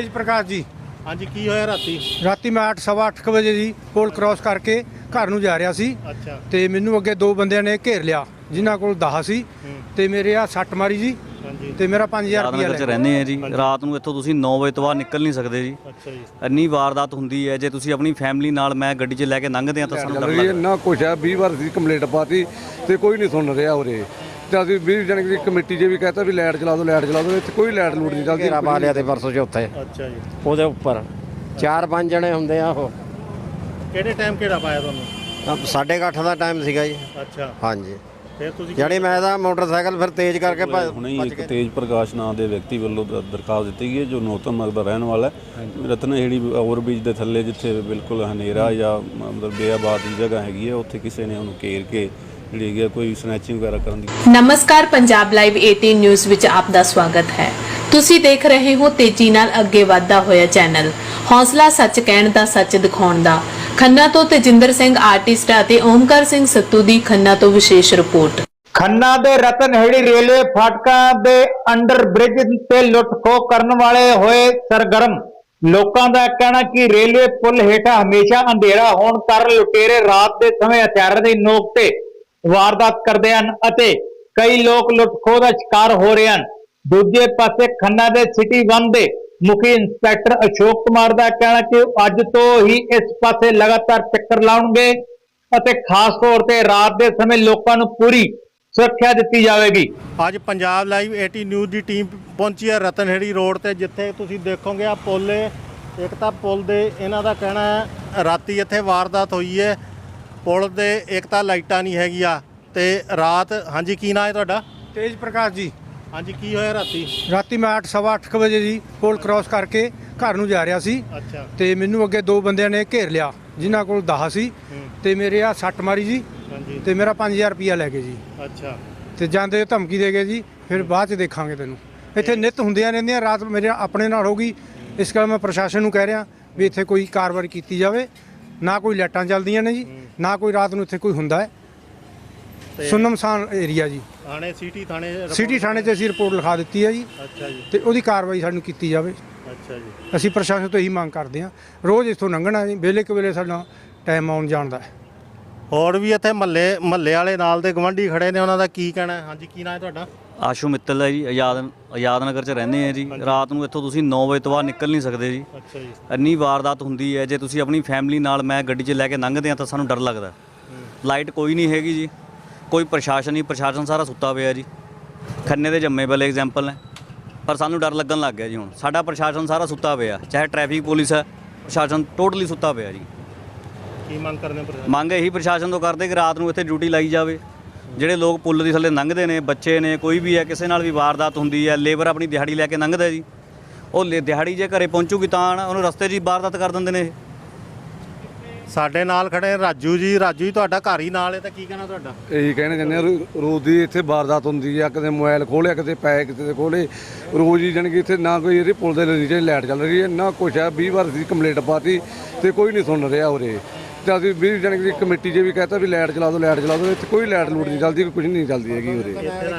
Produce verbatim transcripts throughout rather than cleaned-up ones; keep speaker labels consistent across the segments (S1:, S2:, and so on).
S1: तेज प्रकाश जी।
S2: हाँ जी की होया राती
S1: राती मैं अठ सवा अठ बजे जी पुल क्रॉस करके घर ਨੂੰ ਜਾ ਰਿਹਾ ਸੀ।
S2: अच्छा
S1: ਤੇ ਮੈਨੂੰ ਅੱਗੇ ਦੋ ਬੰਦਿਆਂ ਨੇ ਘੇਰ ਲਿਆ ਜਿਨ੍ਹਾਂ ਕੋਲ ਦਾਹ ਸੀ ਤੇ ਮੇਰੇ ਆ ਸੱਟ ਮਾਰੀ ਜੀ ਤੇ ਮੇਰਾ ਪੰਜ ਹਜ਼ਾਰ ਰੁਪਇਆ
S3: ਲੈ ਕੇ ਰਹਿੰਦੇ ਆ ਜੀ। ਰਾਤ ਨੂੰ ਇੱਥੋਂ ਤੁਸੀਂ ਨੌ ਵਜੇ ਤੋਂ ਬਾਅਦ ਨਿਕਲ ਨਹੀਂ ਸਕਦੇ ਜੀ।
S2: अच्छा जी
S3: ਇੰਨੀ ਵਾਰਦਾਤ ਹੁੰਦੀ ਹੈ। ਜੇ ਤੁਸੀਂ ਆਪਣੀ ਫੈਮਿਲੀ ਨਾਲ ਮੈਂ ਗੱਡੀ 'ਚ ਲੈ ਕੇ ਲੰਘਦੇ ਆ ਤਾਂ ਸਾਨੂੰ ਡਰ ਲੱਗਦਾ।
S4: ਨਾ ਕੁਛ ਹੈ ਵੀਹ ਵਾਰ ਸੀ ਕੰਪਲੇਂਟ ਪਾਤੀ ਤੇ ਕੋਈ ਨਹੀਂ ਸੁਣ ਰਿਹਾ ਉਰੇ ਤੇ ਅਸੀਂ ਵੀਹ ਜਣੇ ਦੀ ਕਮੇਟੀ 'ਚ ਵੀ ਕਹਤਾ ਵੀ ਲਾਈਟ ਚਲਾ ਦਿਓ ਲਾਈਟ ਚਲਾ ਦਿਓ ਇੱਥੇ ਕੋਈ ਲਾਈਟ ਲੂਟ ਨਹੀਂ ਚੱਲਦੀ।
S5: ਘੇਰਾ ਪਾ ਲਿਆ ਤੇ ਪਰਸੋਂ ਚੌਥੇ
S2: अच्छा जी
S5: ਉਹਦੇ ਉੱਪਰ ਚਾਰ ਪੰਜ ਜਣੇ ਹੁੰਦੇ ਆ ਉਹ
S2: ਕਿਹੜੇ ਟਾਈਮ ਕਿਹੜਾ ਪਾਇਆ ਤੁਹਾਨੂੰ
S5: ਸਾਢੇ ਕੁ ਅੱਠ ਦਾ ਟਾਈਮ ਸੀਗਾ ਜੀ।
S2: ਅੱਛਾ
S5: ਹਾਂਜੀ
S2: ਫਿਰ ਤੁਸੀਂ
S5: ਜਾਣੀ ਮੈਂ ਤਾਂ ਮੋਟਰਸਾਈਕਲ ਫਿਰ ਤੇਜ਼ ਕਰਕੇ ਭੱਜ-
S6: ਹੁਣੇ ਹੀ
S5: ਭੱਜ
S6: ਇੱਕ
S5: ਕੇ
S6: ਤੇਜ ਪ੍ਰਕਾਸ਼ ਨਾਂ ਦੇ ਵਿਅਕਤੀ ਵੱਲੋਂ ਦ- ਦਰਖਾਸਤ ਦਿੱਤੀ ਗਈ ਹੈ ਜੋ ਨੌਤਨ ਮਰਗ ਦਾ ਰਹਿਣ ਵਾਲਾ ਹੈ। ਰਤਨਹੇੜੀ ਓਵਰਬ੍ਰਿਜ ਦੇ ਥੱਲੇ ਜਿੱਥੇ ਬਿਲਕੁਲ ਹਨੇਰਾ ਜਾਂ ਮਤਲਬ ਬੇਆਬਾਦ ਦੀ ਜਗ੍ਹਾ ਹੈਗੀ ਹੈ ਉੱਥੇ ਕਿਸੇ ਨੇ ਉਹਨੂੰ ਘੇਰ ਕੇ ਜਿਹੜੀ ਹੈਗੀ ਹੈ ਕੋਈ ਸਨੈਚਿੰਗ ਵਗੈਰਾ ਕਰਨ ਦੀ।
S7: ਨਮਸਕਾਰ ਪੰਜਾਬ ਲਾਈਵ ਅਠਾਰਾਂ ਨਿਊਜ਼ ਵਿੱਚ ਆਪ ਦਾ ਸਵਾਗਤ ਹੈ। ਤੁਸੀਂ ਦੇਖ ਰਹੇ ਹੋ ਤੇਜ਼ੀ ਨਾਲ ਅੱਗੇ ਵਧਦਾ ਹੋਇਆ ਚੈਨਲ ਹੌਸਲਾ ਸੱਚ ਕਹਿਣ ਦਾ ਸੱਚ ਦਿਖਾਉਣ ਦਾ। ਖੰਨਾ ਤੋਂ ਤੇਜਿੰਦਰ ਸਿੰਘ ਆਰਟਿਸਟ ਅਤੇ ਓਮਕਾਰ ਸਿੰਘ ਸੱਤੂ ਦੀ ਖੰਨਾ ਤੋਂ ਵਿਸ਼ੇਸ਼ ਰਿਪੋਰਟ।
S8: ਖੰਨਾ ਦੇ ਰਤਨਹੇੜੀ ਰੇਲਵੇ ਫਾਟਕਾਂ ਦੇ ਅੰਡਰ ਬ੍ਰਿਜ ਤੇ ਲੁੱਟ-ਖੋਹ ਕਰਨ ਵਾਲੇ ਹੋਏ ਸਰਗਰਮ। ਲੋਕਾਂ ਦਾ ਕਹਿਣਾ ਕਿ ਰੇਲਵੇ ਪੁਲ ਹੇਠਾਂ ਹਮੇਸ਼ਾ ਅੰਧੇਰਾ ਹੋਣ ਕਾਰਨ ਲੁਟੇਰੇ ਰਾਤ ਦੇ ਸਮੇਂ ਹਥਿਆਰਾਂ ਦੀ ਨੋਕ ਤੇ ਵਾਰਦਾਤ ਕਰਦੇ ਹਨ ਅਤੇ ਕਈ ਲੋਕ ਲੁੱਟ-ਖੋਹ ਦਾ ਸ਼ਿਕਾਰ ਹੋ ਰਹੇ ਹਨ। ਦੂਜੇ ਪਾਸੇ ਖੰਨਾ ਦੇ ਸਿਟੀ ਵਨ ਦੇ ਮੁਖੀ ਇੰਸਪੈਕਟਰ ਅਸ਼ੋਕ ਕੁਮਾਰ ਦਾ ਕਹਿਣਾ ਕਿ ਅੱਜ ਤੋਂ ਹੀ ਇਸ ਪਾਸੇ ਲਗਾਤਾਰ ਚੱਕਰ ਲਾਉਣਗੇ ਅਤੇ ਖਾਸ ਤੌਰ ਤੇ ਰਾਤ ਦੇ ਸਮੇਂ ਲੋਕਾਂ ਨੂੰ ਪੂਰੀ ਸੁਰੱਖਿਆ ਦਿੱਤੀ ਜਾਵੇਗੀ।
S2: ਅੱਜ ਪੰਜਾਬ ਲਾਈਵ ਅਠਾਰਾਂ ਨਿਊਜ਼ ਦੀ ਟੀਮ ਪਹੁੰਚੀ ਹੈ ਰਤਨਹੇੜੀ ਰੋਡ ਤੇ ਜਿੱਥੇ ਤੁਸੀਂ ਦੇਖੋਗੇ ਆ ਪੁਲ ਇੱਕ ਤਾਂ ਪੁਲ ਦੇ ਇਹਨਾਂ ਦਾ ਕਹਿਣਾ ਹੈ ਰਾਤੀ ਇੱਥੇ ਵਾਰਦਾਤ ਹੋਈ ਹੈ। ਪੁਲ ਦੇ ਇੱਕ ਤਾਂ ਲਾਈਟਾਂ ਨਹੀਂ ਹੈਗੀਆਂ ਤੇ ਰਾਤ ਹਾਂਜੀ ਕੀ ਨਾਂ ਹੈ ਤੁਹਾਡਾ
S1: तेज प्रकाश जी।
S2: ਹਾਂਜੀ ਕੀ ਹੋਇਆ ਰਾਤੀ
S1: ਰਾਤੀ ਮੈਂ ਅਠ ਸਵਾ ਅਠ ਵਜੇ ਜੀ ਪੁਲ क्रॉस ਕਰਕੇ ਘਰ ਨੂੰ ਜਾ ਰਿਹਾ ਸੀ
S2: ਅੱਛਾ
S1: ਤੇ ਮੈਨੂੰ ਅੱਗੇ ਦੋ ਬੰਦਿਆਂ ਨੇ ਘੇਰ ਲਿਆ ਜਿਨ੍ਹਾਂ ਕੋਲ ਦਾਹ ਸੀ ਤੇ ਮੇਰੇ ਆ ਸੱਟ ਮਾਰੀ ਜੀ
S2: ਹਾਂਜੀ
S1: ਤੇ ਮੇਰਾ ਪੰਜ ਹਜ਼ਾਰ ਰੁਪਇਆ ਲੈ ਕੇ ਜੀ
S2: ਅੱਛਾ
S1: ਤੇ ਜਾਂਦੇ ਧਮਕੀ ਦੇ ਗਏ ਜੀ ਫਿਰ ਬਾਅਦ ਚ ਦੇਖਾਂਗੇ ਤੈਨੂੰ। ਇੱਥੇ ਨਿਤ ਹੁੰਦੀਆਂ ਰਹਿੰਦੀਆਂ ਰਾਤ ਮੇਰੇ ਆਪਣੇ ਨਾਲ ਹੋ ਗਈ ਇਸ ਕਰਕੇ ਮੈਂ ਪ੍ਰਸ਼ਾਸਨ ਨੂੰ ਕਹਿ ਰਿਹਾ ਵੀ ਇੱਥੇ ਕੋਈ ਕਾਰਵਾਈ ਕੀਤੀ ਜਾਵੇ। ਨਾ ਕੋਈ ਲਾਈਟਾਂ ਚੱਲਦੀਆਂ ਨੇ ਜੀ ਨਾ ਕੋਈ ਰਾਤ ਨੂੰ ਇੱਥੇ ਕੋਈ ਹੁੰਦਾ ਹੈ। ਸੁੰਨਮਸਾਨ ਏਰੀਆ ਜੀ।
S2: ਥਾਣੇ ਸਿਟੀ ਥਾਣੇ
S1: ਸਿਟੀ ਥਾਣੇ 'ਚ ਅਸੀਂ ਰਿਪੋਰਟ ਲਿਖਾ ਦਿੱਤੀ ਹੈ ਜੀ
S2: ਅੱਛਾ ਜੀ
S1: ਤੇ ਉਹਦੀ ਕਾਰਵਾਈ ਸਾਨੂੰ ਕੀਤੀ ਜਾਵੇ।
S2: ਅੱਛਾ ਜੀ
S1: ਅਸੀਂ ਪ੍ਰਸ਼ਾਸਨ ਤੋਂ ਇਹੀ ਮੰਗ ਕਰਦੇ ਹਾਂ। ਰੋਜ਼ ਇੱਥੋਂ ਲੰਘਣਾ ਜੀ ਵੇਲੇ ਕੁ ਵੇਲੇ ਸਾਡਾ ਟਾਈਮ ਆਉਣ ਜਾਣ ਦਾ ਹੈ।
S2: ਹੋਰ ਵੀ ਇੱਥੇ ਮਹੱਲੇ ਮਹੱਲੇ ਵਾਲੇ ਨਾਲ ਦੇ ਗਵਾਂਢੀ ਖੜੇ ਨੇ ਉਹਨਾਂ ਦਾ ਕੀ ਕਹਿਣਾ ਹੈ ਹਾਂਜੀ ਕੀ ਨਾਂ ਹੈ ਤੁਹਾਡਾ
S3: ਆਸ਼ੂ ਮਿੱਤਲ ਹੈ ਜੀ। ਆਜ਼ਾਦ ਆਜ਼ਾਦ ਨਗਰ 'ਚ ਰਹਿੰਦੇ ਆ ਜੀ। ਰਾਤ ਨੂੰ ਇੱਥੋਂ ਤੁਸੀਂ ਨੌ ਵਜੇ ਤੋਂ ਬਾਅਦ ਨਿਕਲ ਨਹੀਂ ਸਕਦੇ ਜੀ।
S2: ਅੱਛਾ ਜੀ
S3: ਇੰਨੀ ਵਾਰਦਾਤ ਹੁੰਦੀ ਹੈ। ਜੇ ਤੁਸੀਂ ਆਪਣੀ ਫੈਮਿਲੀ ਨਾਲ ਮੈਂ ਗੱਡੀ 'ਚ ਲੈ ਕੇ ਲੰਘਦੇ ਆ ਤਾਂ ਸਾਨੂੰ ਡਰ ਲੱਗਦਾ। ਲਾਈਟ ਕੋਈ ਨਹੀਂ ਹੈਗੀ ਜੀ ਕੋਈ ਪ੍ਰਸ਼ਾਸਨ ਨਹੀਂ ਪ੍ਰਸ਼ਾਸਨ ਸਾਰਾ ਸੁੱਤਾ ਪਿਆ ਜੀ। ਖੰਨੇ ਦੇ ਜੰਮੇ ਵਾਲੇ ਐਗਜ਼ਾਮਪਲ ਨੇ ਪਰ ਸਾਨੂੰ ਡਰ ਲੱਗਣ ਲੱਗ ਗਿਆ ਜੀ। ਹੁਣ ਸਾਡਾ ਪ੍ਰਸ਼ਾਸਨ ਸਾਰਾ ਸੁੱਤਾ ਪਿਆ ਚਾਹੇ ਟ੍ਰੈਫਿਕ ਪੁਲਿਸ ਹੈ ਪ੍ਰਸ਼ਾਸਨ ਟੋਟਲੀ ਸੁੱਤਾ ਪਿਆ ਜੀ।
S2: ਕੀ ਮੰਗ ਕਰਦੇ ਪ੍ਰਸ਼ਾਸਨ
S3: ਮੰਗ ਇਹੀ ਪ੍ਰਸ਼ਾਸਨ ਤੋਂ ਕਰਦੇ ਕਿ ਰਾਤ ਨੂੰ ਇੱਥੇ ਡਿਊਟੀ ਲਾਈ ਜਾਵੇ। ਜਿਹੜੇ ਲੋਕ ਪੁੱਲ ਦੀ ਥੱਲੇ ਲੰਘਦੇ ਨੇ ਬੱਚੇ ਨੇ ਕੋਈ ਵੀ ਹੈ ਕਿਸੇ ਨਾਲ ਵੀ ਵਾਰਦਾਤ ਹੁੰਦੀ ਹੈ ਲੇਬਰ ਆਪਣੀ ਦਿਹਾੜੀ ਲੈ ਕੇ ਲੰਘਦਾ ਜੀ ਉਹ ਦਿਹਾੜੀ ਜੇ ਘਰੇ ਪਹੁੰਚੂਗੀ ਤਾਂ ਉਹਨੂੰ ਰਸਤੇ 'ਚ ਵਾਰਦਾਤ ਕਰ ਦਿੰਦੇ ਨੇ।
S2: ਸਾਡੇ ਨਾਲ ਖੜੇ ਰਾਜੂ ਜੀ। ਰਾਜੂ ਜੀ ਤੁਹਾਡਾ ਘਰ ਹੀ ਨਾਲ ਹੈ ਤਾਂ ਕੀ ਕਹਿਣਾ ਤੁਹਾਡਾ
S4: ਇਹੀ ਕਹਿਣਾ ਚਾਹੁੰਦੇ ਆ ਰੋ- ਰੋਜ਼ ਦੀ ਇੱਥੇ ਵਾਰਦਾਤ ਹੁੰਦੀ ਆ ਕਦੇ ਮੋਬਾਈਲ ਖੋਲਿਆ ਕਿਤੇ ਪੈ ਕਿਤੇ ਦੇ ਖੋਲੇ ਰੋਜ਼ ਹੀ ਜਾਣੀ ਕਿ ਇੱਥੇ ਨਾ ਕੋਈ ਇਹਦੇ ਪੁਲ ਦੇ ਨੀਚੇ ਲਾਈਟ ਚੱਲ ਰਹੀ ਹੈ ਨਾ ਕੁਛ ਹੈ ਵੀਹ ਵਾਰ ਸੀ ਕੰਪਲੇਂਟ ਪਾਤੀ ਤੇ ਕੋਈ ਨਹੀਂ ਸੁਣ ਰਿਹਾ ਉਰੇ ਤੇ ਅਸੀਂ ਵੀਹ ਜਣੇ ਦੀ ਕਮੇਟੀ 'ਚ ਵੀ ਕਹਤਾ ਵੀ ਲਾਈਟ ਚਲਾ ਦਿਓ ਲਾਈਟ ਚਲਾ ਦਿਓ ਇੱਥੇ ਕੋਈ ਲਾਈਟ ਲੂਟ ਨਹੀਂ ਚੱਲਦੀ ਕੁਝ ਨਹੀਂ ਚੱਲਦੀ ਹੈਗੀ ਉਰੇ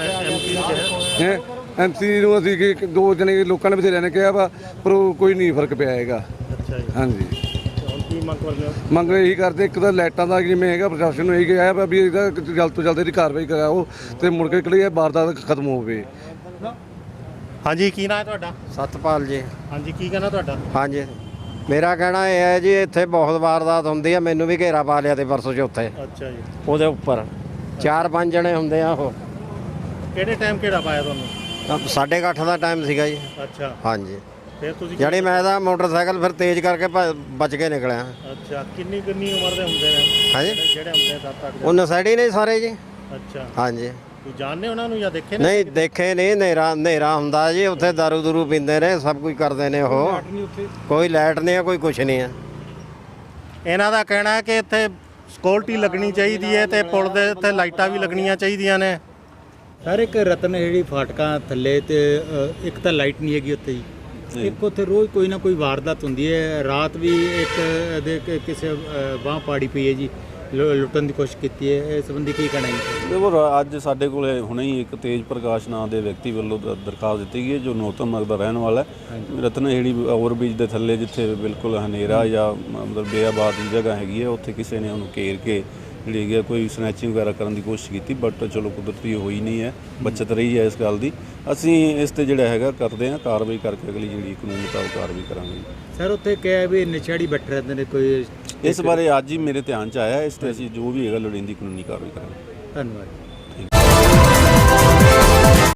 S4: ਹੈ। ਐਮ ਸੀ ਨੂੰ ਅਸੀਂ ਕਿ ਦੋ ਜਣੇ ਲੋਕਾਂ ਨੇ ਬਥੇਰਿਆਂ ਨੇ ਕਿਹਾ ਵਾ ਪਰ ਉਹ ਕੋਈ ਨਹੀਂ ਫਰਕ ਪਿਆ ਹੈਗਾ।
S2: ਅੱਛਾ ਜੀ
S4: ਹਾਂਜੀ
S2: ਹੁਣ ਕੀ ਮੰਗ ਕਰਦੇ ਹੋ
S4: ਮੰਗ ਇਹੀ ਕਰਦੇ ਇੱਕ ਤਾਂ ਲਾਈਟਾਂ ਦਾ ਜਿਵੇਂ ਹੈਗਾ ਪ੍ਰਸ਼ਾਸਨ ਨੂੰ ਇਹੀ ਕਿਹਾ ਵਾ ਵੀ ਇਹਦਾ ਜਲਦ ਤੋਂ ਜਲਦ ਇਹਦੀ ਕਾਰਵਾਈ ਕਰਾਓ ਤੇ ਮੁੜ ਕੇ ਕਿਹੜੀ ਵਾਰਦਾਤ ਖਤਮ ਹੋਵੇ।
S2: ਹਾਂਜੀ ਕੀ ਨਾਂ ਹੈ ਤੁਹਾਡਾ
S5: ਸਤਪਾਲ ਜੀ।
S2: ਹਾਂਜੀ ਕੀ ਕਹਿਣਾ ਤੁਹਾਡਾ
S5: ਹਾਂਜੀ ਮੇਰਾ ਕਹਿਣਾ ਇਹ ਹੈ ਜੀ ਇੱਥੇ ਬਹੁਤ ਵਾਰਦਾਤ ਹੁੰਦੀ ਆ ਮੈਨੂੰ ਵੀ ਘੇਰਾ ਪਾ ਲਿਆ ਤੇ ਪਰਸੋਂ ਚੌਥੇ
S2: ਅੱਛਾ ਜੀ
S5: ਉਹਦੇ ਉੱਪਰ ਚਾਰ ਪੰਜ ਜਣੇ ਹੁੰਦੇ ਆ ਉਹ
S2: ਕਿਹੜੇ ਟਾਈਮ ਕਿਹੜਾ ਪਾਇਆ ਤੁਹਾਨੂੰ
S5: ਸਾਢੇ ਕੁ ਅੱਠ ਦਾ ਟਾਈਮ ਸੀਗਾ ਜੀ।
S2: ਅੱਛਾ
S5: ਹਾਂਜੀ
S2: ਫਿਰ ਤੁਸੀਂ
S5: ਜਾਣੀ ਮੈਂ ਤਾਂ ਮੋਟਰਸਾਈਕਲ ਫਿਰ ਤੇਜ਼ ਕਰਕੇ ਭੱਜ- ਬਚ ਕੇ ਨਿਕਲਿਆ।
S2: ਅੱਛਾ ਕਿੰਨੀ ਕਿੰਨੀ ਉਮਰ ਦੇ ਹੁੰਦੇ ਨੇ
S5: ਹਾਂਜੀ
S2: ਜਿਹੜੇ ਹੁੰਦੇ ਸੱਤ ਅੱਠ
S5: ਉਹ ਨਸ਼ੇੜੀ ਨੇ ਸਾਰੇ ਜੀ।
S2: ਅੱਛਾ
S5: ਹਾਂਜੀ
S2: ਤੂੰ ਜਾਣਦੇ ਉਹਨਾਂ ਨੂੰ ਜਾਂ ਦੇਖੇ ਨੇ
S5: ਨਹੀਂ ਦੇਖੇ ਨਹੀਂ ਹਨੇਰਾ ਹਨੇਰਾ ਹੁੰਦਾ ਜੀ ਉੱਥੇ ਦਾਰੂ ਦੂਰੂ ਪੀਂਦੇ ਨੇ ਸਭ ਕੁਝ ਕਰਦੇ ਨੇ ਉਹ ਕੋਈ ਲਾਈਟ ਨਹੀਂ ਹੈ ਕੋਈ ਕੁਛ ਨਹੀਂ ਹੈ।
S2: ਇਹਨਾਂ ਦਾ ਕਹਿਣਾ ਹੈ ਕਿ ਇੱਥੇ ਸਿਕਿਉਰਿਟੀ ਲੱਗਣੀ ਚਾਹੀਦੀ ਹੈ ਤੇ ਪੁਲ ਦੇ ਉੱਤੇ ਲਾਈਟਾਂ ਵੀ ਲੱਗਣੀਆਂ ਚਾਹੀਦੀਆਂ ਨੇ।
S9: ਸਰ ਇੱਕ ਰਤਨਹੇੜੀ ਫਾਟਕਾਂ ਥੱਲੇ ਤੇ ਅ, ਇੱਕ ਤਾਂ ਲਾਈਟ ਨਹੀਂ ਹੈਗੀ ਉੱਥੇ ਜੀ ਇੱਕ ਉੱਥੇ ਰੋਜ਼ ਕੋਈ ਨਾ ਕੋਈ ਵਾਰਦਾਤ ਹੁੰਦੀ ਹੈ। ਰਾਤ ਵੀ ਇੱਕ ਦੇ ਕ- ਕਿਸੇ ਬਾਂਹ ਪਾੜੀ ਪਈ ਹੈ ਜੀ ਲੁ- ਲੁੱਟਣ ਦੀ ਕੋਸ਼ਿਸ਼ ਕੀਤੀ ਹੈ, ਇਸ ਸੰਬੰਧੀ ਕੀ ਕਹਿਣਾ ਹੈ?
S6: ਦੇਖੋ ਅੱਜ ਸਾਡੇ ਕੋਲੇ ਹੁਣੇ ਹੀ ਇੱਕ ਤੇਜ ਪ੍ਰਕਾਸ਼ ਨਾਂ ਦੇ ਵਿਅਕਤੀ ਵੱਲੋਂ ਦ- ਦਰਖਾਸਤ ਦਿੱਤੀ ਗਈ ਹੈ, ਜੋ ਨੌਤਮ ਨਗਰ ਦਾ ਰਹਿਣ ਵਾਲਾ ਹੈ। ਰਤਨਹੇੜੀ ਓਵਰਬ੍ਰਿਜ ਦੇ ਥੱਲੇ ਜਿੱਥੇ ਬਿਲਕੁਲ ਹਨੇਰਾ ਜਾਂ ਮਤਲਬ ਬੇਆਬਾਦ ਦੀ ਜਗ੍ਹਾ ਹੈਗੀ ਹੈ, ਉੱਥੇ ਕਿਸੇ ਨੇ ਉਹਨੂੰ ਘੇਰ ਕੇ ਜਿਹੜੀ ਹੈਗੀ ਹੈ ਕੋਈ ਸਨੈਚਿੰਗ ਵਗੈਰਾ ਕਰਨ ਦੀ ਕੋਸ਼ਿਸ਼ ਕੀਤੀ, ਬਟ ਚਲੋ ਕੁਦਰਤੀ ਹੋਈ ਨਹੀਂ ਹੈ, ਬਚਤ ਰਹੀ ਹੈ ਇਸ ਗੱਲ ਦੀ। ਅਸੀਂ ਇਸ ਤੇ ਜਿਹੜਾ ਹੈਗਾ ਕਰਦੇ ਹਾਂ ਕਾਰਵਾਈ ਕਰਕੇ ਅਗਲੀ ਜਿਹੜੀ ਕਾਨੂੰਨ ਮੁਤਾਬਕ ਕਾਰਵਾਈ ਕਰਾਂਗੇ।
S9: ਸਰ ਉੱਥੇ ਕਿਹਾ ਵੀ ਨਸ਼ੇੜੀ ਬੈਠੇ ਰਹਿੰਦੇ ਨੇ, ਕੋਈ
S6: ਇਸ ਬਾਰੇ ਅੱਜ ਹੀ ਮੇਰੇ ਧਿਆਨ 'ਚ ਆਇਆ, ਇਸ ਤੇ ਅਸੀਂ ਜੋ ਵੀ ਹੈਗਾ ਲੋੜੀਂਦੀ ਕਾਨੂੰਨੀ ਕਾਰਵਾਈ ਕਰਾਂਗੇ।
S9: ਧੰਨਵਾਦ।